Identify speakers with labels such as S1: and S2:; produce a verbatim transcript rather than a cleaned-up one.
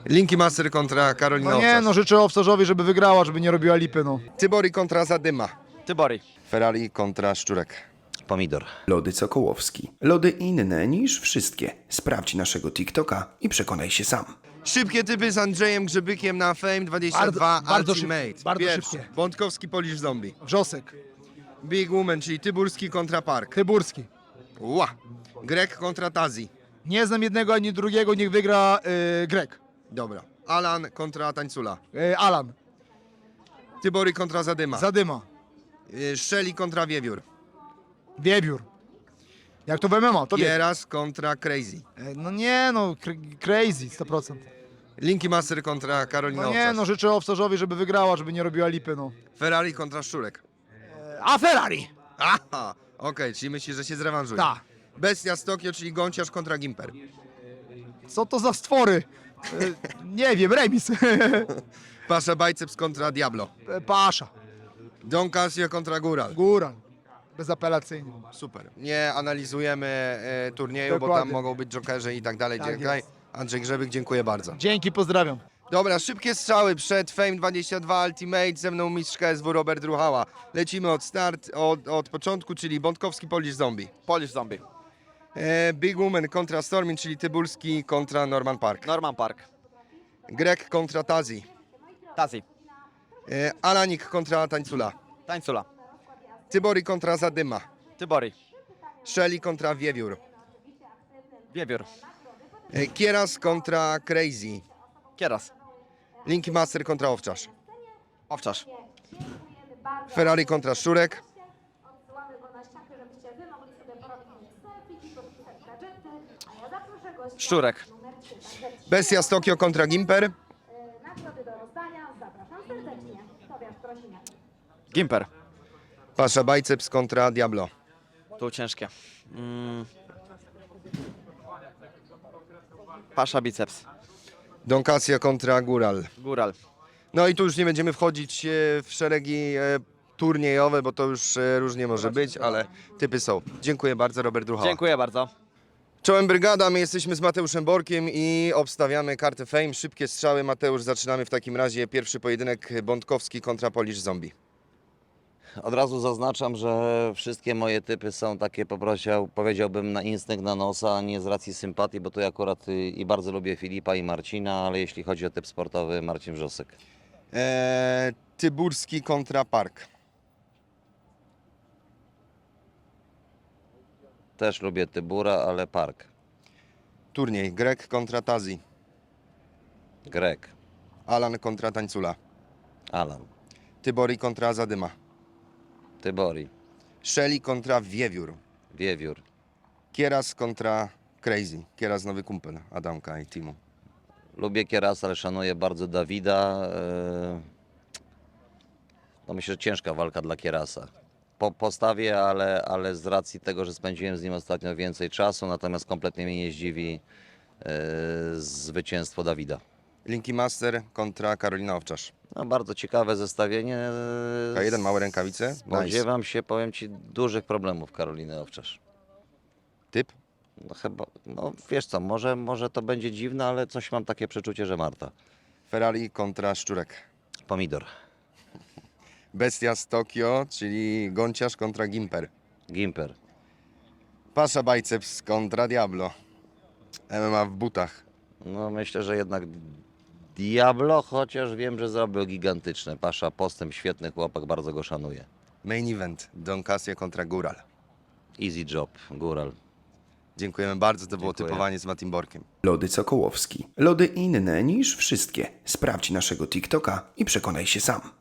S1: Linki Master kontra Karolina
S2: No nie,
S1: Owczarz.
S2: no życzę Owczarzowi, żeby wygrała, żeby nie robiła lipy, no.
S1: Tybori kontra Zadyma.
S3: Tybori.
S1: Ferrari kontra Szczurek.
S4: Pomidor.
S5: Lody Sokołowski. Lody inne niż wszystkie. Sprawdź naszego TikToka i przekonaj się sam.
S1: Szybkie typy z Andrzejem Grzebykiem na Fame dwadzieścia dwa
S2: Bardzo- bardzo
S1: Ultimate.
S2: szybkie, bardzo
S1: Pierwszy,
S2: szybkie.
S1: Bątkowski Polish Zombie.
S2: Wrzosek,
S1: Big Woman, czyli Tyburski kontra Park.
S2: Tyburski.
S1: Ła. Grek kontra Tazi.
S2: Nie znam jednego ani drugiego, niech wygra yy, Grek.
S1: Dobra. Alan kontra Tańcula.
S2: Yy, Alan,
S1: Tybori kontra Zadyma.
S2: Zadyma,
S1: Y, Szeli kontra Wiewiór.
S2: Wiebiór. Jak to w M M A, to wie.
S1: Kieras kontra Crazy.
S2: Yy, No nie, no cr- crazy, sto procent.
S1: Linki Master kontra Karolina
S2: No nie,
S1: Owczarz.
S2: no życzę Owczarzowi, żeby wygrała, żeby nie robiła lipy, no.
S1: Ferrari kontra Szczurek.
S2: A Ferrari!
S1: Aha, okej, czyli myślisz, że się zrewanżuje.
S2: Tak.
S1: Bestia z Tokio, czyli Gąciarz kontra Gimper.
S2: Co to za stwory? Yy, nie wiem, remis.
S1: Pasza Biceps kontra Diablo.
S2: Pasza,
S1: Don Casio kontra Góral.
S2: góra. Bezapelacyjnie.
S1: Super. Nie analizujemy e, turnieju, bo tam
S2: Dokładnie.
S1: mogą być jokerze i tak dalej.
S2: Tak
S1: Dziękuję.
S2: jest.
S1: Andrzej Grzebyk, dziękuję bardzo.
S2: Dzięki, pozdrawiam.
S1: Dobra, szybkie strzały przed Fame dwadzieścia dwa Ultimate. Ze mną mistrz K S W Robert Ruchała. Lecimy od start, od, od początku, czyli Bątkowski Polish Zombie.
S3: Polish Zombie.
S1: E, Big Woman kontra Stormin, czyli Tybulski kontra Norman Park.
S3: Norman Park.
S1: Grek kontra Tazi.
S3: Tazi.
S1: E, Alanik kontra Tańcula.
S3: Tańcula.
S1: Tybori kontra Zadyma.
S3: Tybori.
S1: Szeli kontra Wiewiór.
S3: Wiewiór.
S1: E, Kieras kontra Crazy.
S3: Kieras.
S1: Linki Master kontra Owczarz.
S3: Owczarz.
S1: Ferrari kontra Szczurek.
S6: Odsyłamy go na ściankę, żebyście wy mogli sobie porobić selfie, podpisać gadżety, a ja zaproszę gościa
S3: Szczurek.
S6: numer trzy. Także
S1: Bestia z Tokio kontra Gimper.
S6: y, nagrody do rozdania. Zapraszam serdecznie. Tobiasz Prosiniak.
S3: Gimper.
S1: Pasza Biceps kontra Diablo.
S3: Tu ciężkie. Mm. Pasza biceps.
S1: Don Casio kontra Góral.
S3: Góral.
S1: No i tu już nie będziemy wchodzić e, w szeregi e, turniejowe, bo to już e, różnie może być, ale typy są. Dziękuję bardzo, Robert Ruchała.
S3: Dziękuję bardzo.
S1: Czołem brygada, my jesteśmy z Mateuszem Borkiem i obstawiamy kartę Fame. Szybkie strzały, Mateusz, zaczynamy w takim razie pierwszy pojedynek Bątkowski kontra Polish Zombie.
S4: Od razu zaznaczam, że wszystkie moje typy są takie, poprosił, powiedziałbym, na instynkt, na nosa, a nie z racji sympatii, bo tu ja akurat y, i bardzo lubię Filipa i Marcina, ale jeśli chodzi o typ sportowy, Marcin Wrzosek.
S1: E, Tyburski kontra Park.
S4: Też lubię Tybura, ale Park.
S1: Turniej Grek kontra Tazi.
S4: Grek.
S1: Alan kontra Tańcula.
S4: Alan.
S1: Tybori kontra Zadyma.
S4: Tybori.
S1: Szeli kontra Wiewiór.
S4: Wiewiór.
S1: Kieras kontra Crazy. Kieras nowy kumpel Adamka i Timu.
S4: Lubię Kierasa, ale szanuję bardzo Dawida. Yy, No myślę, że ciężka walka dla Kierasa. Po, postawię, ale, ale z racji tego, że spędziłem z nim ostatnio więcej czasu, natomiast kompletnie mnie nie zdziwi yy, zwycięstwo Dawida.
S1: Linki Master kontra Karolina Owczarz.
S4: No, bardzo ciekawe zestawienie.
S1: K jeden, małe rękawice. Nice.
S4: Spodziewam się, powiem Ci, dużych problemów Karoliny Owczarz.
S1: Typ?
S4: No chyba, no wiesz co, może, może to będzie dziwne, ale coś mam takie przeczucie, że Marta.
S1: Ferrari kontra Szczurek.
S4: Pomidor.
S1: Bestia z Tokio, czyli Gąciarz kontra Gimper.
S4: Gimper.
S1: Pasza Biceps kontra Diablo. M M A w butach.
S4: No myślę, że jednak Diablo, chociaż wiem, że zrobił gigantyczne. Pasza, postęp, świetny chłopak, bardzo go szanuję.
S1: Main event Don Casio kontra Góral.
S4: Easy job, góral.
S1: Dziękujemy bardzo, to było
S4: Dziękuję.
S1: typowanie z Matim Borkiem.
S5: Lody Sokołowski. Lody inne niż wszystkie. Sprawdź naszego TikToka i przekonaj się sam.